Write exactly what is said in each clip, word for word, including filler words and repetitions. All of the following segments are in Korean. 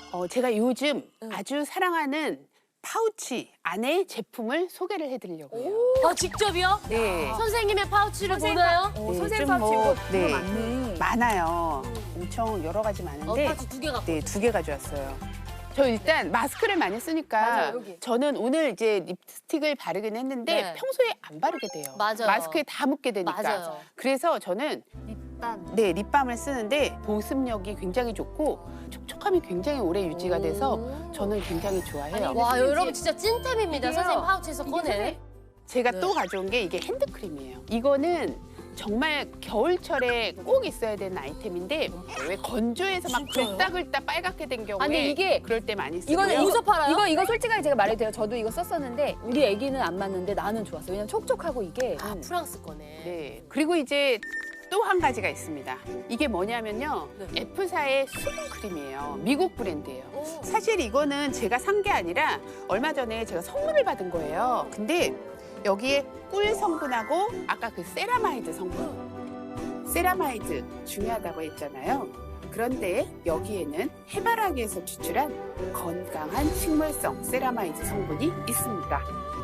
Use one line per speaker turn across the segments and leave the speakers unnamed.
어, 제가 요즘
응.
아주 사랑하는 파우치 안에 제품을 소개를 해드리려고 해요.
아, 직접이요?
네.
선생님의 파우치를
선생님
보나요?
어,
네,
선생님
좀
파우치
뭐,
이거
네.
정말 많네.
많아요. 엄청 여러 가지
어,
많은데
파우치 두 개 갖고.
네, 두 개 가져왔어요. 저 일단 마스크를 많이 쓰니까
맞아요, 여기.
저는 오늘 이제 립스틱을 바르긴 했는데
네.
평소에 안 바르게 돼요.
맞아요.
마스크에 다 묻게 되니까.
맞아요.
그래서 저는
립밤.
네, 립밤을 쓰는데 보습력이 굉장히 좋고 촉촉함이 굉장히 오래 유지가 돼서
오.
저는 굉장히 좋아해요.
아니,
와,
선생님
여러분 진짜 찐템입니다.
이게요.
선생님 파우치에서
이게
꺼내.
선생님-
제가
네.
또 가져온 게 이게 핸드크림이에요. 이거는 정말 겨울철에 꼭 있어야 되는 아이템인데 왜 건조해서 막
진짜요?
글딱글딱 빨갛게 된 경우에
아니, 이게-
그럴 때 많이 쓰고요.
이거는
어디서 팔아요?
이거 이거 솔직하게 제가 말해도 돼요. 저도 이거 썼었는데 우리 애기는 안 맞는데 나는 좋았어요. 왜냐면 촉촉하고 이게
아,
음.
프랑스 거네.
네. 그리고 이제 또 한 가지가 있습니다. 이게 뭐냐면요.
네.
F사의 수분 크림이에요. 미국 브랜드예요.
오.
사실 이거는 제가 산 게 아니라 얼마 전에 제가 선물을 받은 거예요. 근데 여기에 꿀 성분하고 아까 그 세라마이드 성분. 세라마이드 중요하다고 했잖아요. 그런데 여기에는 해바라기에서 추출한 건강한 식물성 세라마이드 성분이 있습니다.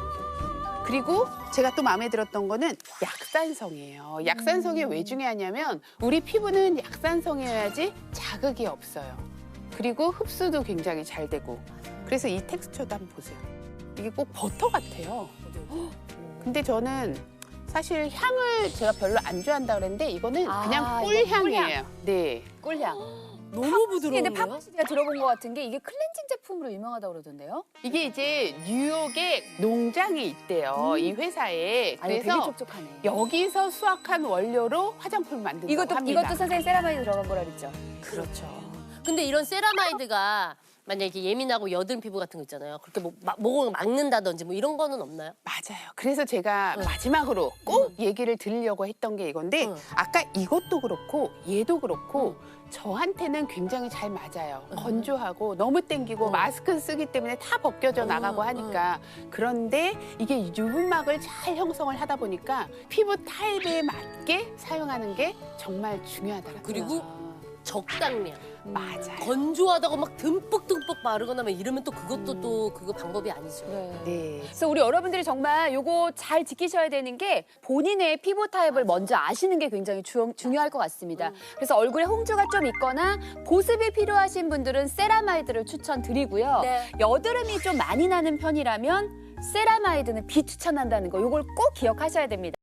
그리고 제가 또 마음에 들었던 거는 약산성이에요. 약산성이 왜 중요하냐면 우리 피부는 약산성이어야지 자극이 없어요. 그리고 흡수도 굉장히 잘 되고. 그래서 이 텍스처도 한번 보세요. 이게 꼭 버터 같아요. 근데 저는 사실 향을 제가 별로 안 좋아한다 그랬는데 이거는
아,
그냥
이거
꿀향이에요. 네.
꿀향.
너무
근데
부드러워요.
파우치 제가 들어본 것 같은 게 이게 클렌징 제품으로 유명하다고 그러던데요?
이게 이제 뉴욕에 농장이 있대요.
음.
이 회사에.
아니, 되게
그래서
촉촉하네.
여기서 수확한 원료로 화장품을 만든다고
이것도
합니다.
이것도 선생님 세라마이드 들어간 거라 그랬죠?
그렇죠. 근데 이런 세라마이드가 만약에 예민하고 여든 피부 같은 거 있잖아요. 그렇게 뭐 막- 목을 막는다든지 뭐 이런 거는 없나요?
맞아요. 그래서 제가
응.
마지막으로 꼭 얘기를 드리려고 했던 게 이건데
응.
아까 이것도 그렇고 얘도 그렇고 저한테는 굉장히 잘 맞아요.
응.
건조하고 너무 땡기고
응.
마스크 쓰기 때문에 다 벗겨져
응,
나가고 하니까 그런데 이게 유분막을 잘 형성을 하다 보니까 피부 타입에 맞게 사용하는 게 정말 중요하더라고요.
그리고 적당량.
맞아요.
건조하다고 막 듬뿍듬뿍 바르거나 막 이러면 또 그것도 또 그거 방법이 아니죠.
네.
네.
그래서 우리 여러분들이 정말 요거 잘 지키셔야 되는 게 본인의 피부 타입을 먼저 아시는 게 굉장히 주, 중요할 것 같습니다. 그래서 얼굴에 홍조가 좀 있거나 보습이 필요하신 분들은 세라마이드를 추천드리고요.
네.
여드름이 좀 많이 나는 편이라면 세라마이드는 비추천한다는 거 요걸 꼭 기억하셔야 됩니다.